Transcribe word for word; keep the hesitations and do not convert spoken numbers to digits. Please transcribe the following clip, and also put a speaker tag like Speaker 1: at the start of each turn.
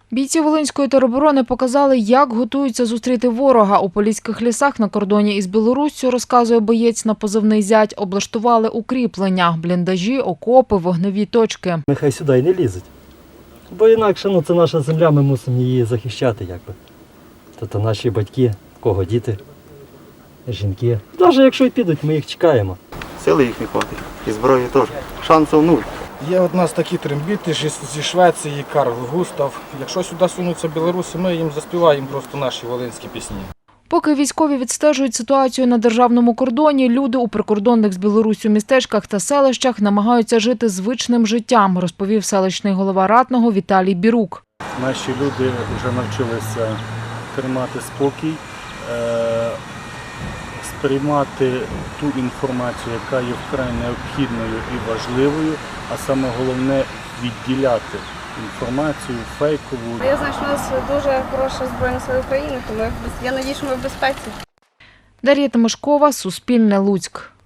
Speaker 1: Бійці Волинської тероборони показали, як готуються зустріти ворога. У поліських лісах на кордоні із Білоруссю, розказує боєць на позивний «Зять», облаштували укріплення, бліндажі, окопи, вогневі точки.
Speaker 2: Нехай сюди й не лізуть, бо інакше ну, це наша земля, ми мусимо її захищати. Якби. Тобто наші батьки, в кого діти, жінки. Навіть якщо й підуть, ми їх чекаємо.
Speaker 3: Сили їх не хватить, і зброї теж. Шансів нуль.
Speaker 4: Є от нас такі трембіти зі Швеції, Карл Густав. Якщо сюди сунуться білоруси, ми їм заспіваємо просто наші волинські пісні.
Speaker 1: Поки військові відстежують ситуацію на державному кордоні, люди у прикордонних з Білоруссю містечках та селищах намагаються жити звичним життям, розповів селищний голова Ратного Віталій Бірук.
Speaker 5: Наші люди вже навчилися тримати спокій, сприймати ту інформацію, яка є вкрай необхідною і важливою, а саме головне – відділяти інформацію фейкову.
Speaker 6: Я знаю, що у нас дуже хороша Збройна сила України, тому я надію, що ми в безпеці.
Speaker 1: Дар'я Тимошкова, Суспільне, Луцьк.